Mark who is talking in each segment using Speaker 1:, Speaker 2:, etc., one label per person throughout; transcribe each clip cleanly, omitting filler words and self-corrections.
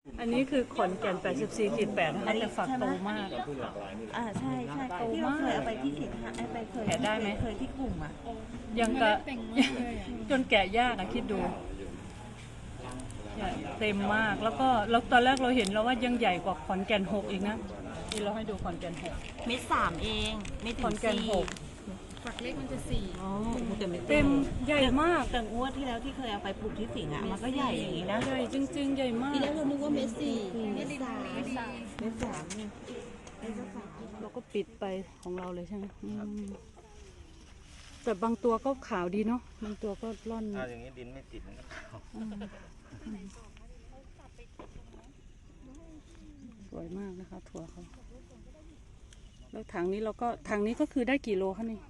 Speaker 1: อันนี้คือขอนแก่น 84.8 นะคะแต่ฝักโตมาก
Speaker 2: ใช่ใช่ที่เราเคยเอาไปที่สินค้าไปเคย
Speaker 1: แกะได้ไหม
Speaker 2: เคยที่กลุ่มอ่ะ
Speaker 1: ยังกะจนแกะยากอะคิดดูเต็มมากแล้วก็ตอนแรกเราเห็นแล้วว่ายังใหญ่กว่าขอนแก่น 6อีกนะที่เราให้ดูขอนแก่น 6
Speaker 2: เม็ดสามเองไม่ถึ
Speaker 1: ของ นแก่น
Speaker 2: สี่
Speaker 1: 6
Speaker 3: ฝักเล็กมันจะสี่
Speaker 2: อ๋อแต่ไม่
Speaker 1: เต็มใหญ่มาก
Speaker 2: แต่งวดที่แล้วที่เคยเอาไปปลูกที่สิงห์อ่ะมันก็ใหญ่อย่างนี้นะ
Speaker 1: ใหญ่จริงๆใหญ่มาก
Speaker 2: ทีแรกเรานึกว่าเม็ดสี่
Speaker 3: เม็ดสาม
Speaker 2: เม็ดสามเนี่ย
Speaker 1: เราก็ปิดไปของเราเลยใช่ไหมแต่บางตัวก็ขาวดีเนาะบางตัวก็ร่อน
Speaker 4: ถ้าอย่างนี้ดินไม่ติดมันก็ขาว
Speaker 1: สวยมากนะคะถั่วเขาแล้วถังนี้ก็คือได้กี่โลคะนี่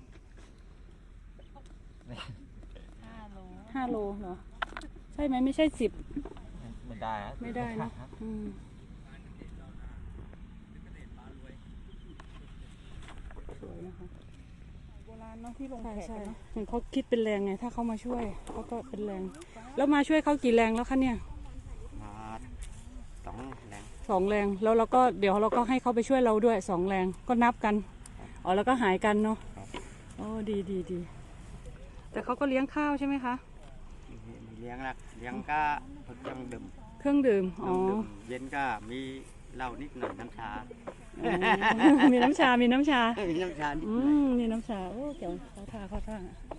Speaker 1: 5 โลเหรอใช่ไหมไม่ใช่10
Speaker 4: ไม่ได้อะ
Speaker 1: ไม่ได้นะสวยนะคะโบราณเนาะที่ลงแขกเนาะเหมือนเขาคิดเป็นแรงไงถ้าเขามาช่วยเขาก็เป็นแรงแล้วมาช่วยเขากี่แรงแล้วคะเนี่ย
Speaker 4: มา2 แรง
Speaker 1: 2 แรงแล้วเราก็เดี๋ยวเราก็ให้เขาไปช่วยเราด้วย2 แรงก็นับกันอ๋อแล้วก็หายกันเนาะโอ้ดีแต่เขาก็เลี้ยงข้าวใช่ไหมคะ
Speaker 4: มีเลี้ยงละเลี้ยงก็เครื่องดื่ม
Speaker 1: เครื่องดื่มอ๋อ
Speaker 4: เย็นก็มีเหล้านิดหน่อยน้ำชา
Speaker 1: มีน้ำชา
Speaker 4: มีน้ำชานิดหน่อย
Speaker 1: มีน้ำชาโอ้เกี่ยวเขาท่า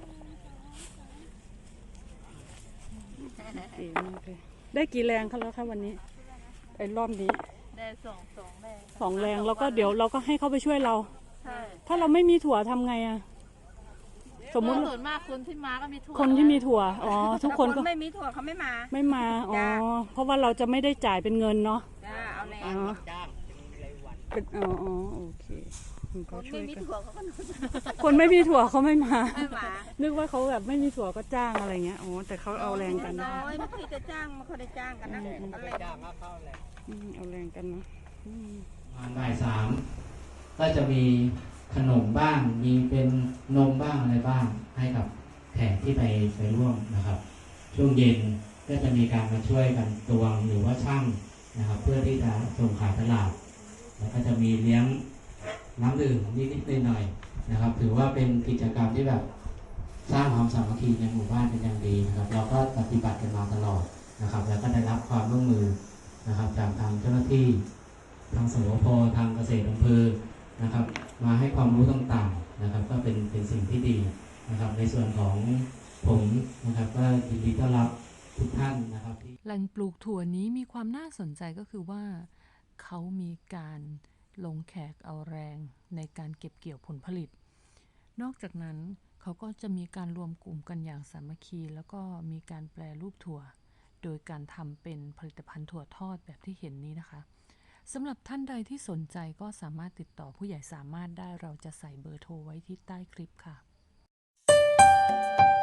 Speaker 1: ดีมากเลยได้กี่แรงคะแล้วคะวันนี้ไอ้รอบนี้
Speaker 3: ได้สองแรง
Speaker 1: 2 แรงแล้วก็เดี๋ยวเราก็ให้เขาไปช่วยเรา
Speaker 3: ใช่
Speaker 1: ถ้าเราไม่มีถั่วทำไงอะสมมุติ
Speaker 3: ส่วนมากคนที่มาก็มีถั่ว
Speaker 1: คนที่มีถั่วอ๋อทุกคนก็
Speaker 3: ไม่มีถั่วเขาไม่มา
Speaker 1: ไม่มาอ๋อเพราะว่าเราจะไม่ได้จ่ายเป็นเงินเนาะ
Speaker 3: จ้าเอาแรง
Speaker 1: อ๋อ
Speaker 4: จ้าง
Speaker 1: เป็นโอเคก็
Speaker 3: คน
Speaker 1: ช่ว
Speaker 3: ไม่
Speaker 1: ย
Speaker 3: มี
Speaker 1: กัน
Speaker 3: ถั่วเขาก็
Speaker 1: คนไม่มีถั่วเขาไม่มา
Speaker 3: ไม่มา
Speaker 1: นึกว่าเขาแบบไม่มีถั่วก็จ้างอะไรเงี้ยอ๋อแต่เขาเอาแรงกันนะ
Speaker 3: น้อยไม่เคยจะจ้างไม่เคยได้จ้างกันนะเอาแรง
Speaker 4: จ้างก็เข้าแหละ
Speaker 1: เอาแรงกันนะ
Speaker 5: ประมาณบ่าย 3ก็จะมีขนมบ้างมีเป็นนมบ้างอะไรบ้างให้กับแขกที่ไปร่วมนะครับช่วงเย็นก็จะมีการมาช่วยกันตวงหรือว่าช่างนะครับเพื่อที่จะส่งขายตลาดแล้วก็จะมีเลี้ยงน้ำดื่มนิดๆหน่อยๆนะครับถือว่าเป็นกิจกรรมที่แบบสร้างความสามัคคีในหมู่บ้านเป็นอย่างดีนะครับเราก็ปฏิบัติกันมาตลอดนะครับแล้วก็ได้รับความร่วมมือนะครับจากทางเจ้าหน้าที่ทางสวพทางเกษตรอำเภอนะครับมาให้ความรู้ต่างๆนะครับก็เป็นสิ่งที่ดีนะครับในส่วนของผมนะครับก็ยินดีต้อนรับทุกท่านนะครับที่
Speaker 6: แหล่งปลูกถั่วนี้มีความน่าสนใจก็คือว่าเขามีการลงแขกเอาแรงในการเก็บเกี่ยวผลผลิตนอกจากนั้นเขาก็จะมีการรวมกลุ่มกันอย่างสามัคคีแล้วก็มีการแปรรูปถั่วโดยการทำเป็นผลิตภัณฑ์ถั่วทอดแบบที่เห็นนี้นะคะสำหรับท่านใดที่สนใจก็สามารถติดต่อผู้ใหญ่สามารถได้เราจะใส่เบอร์โทรไว้ที่ใต้คลิปค่ะ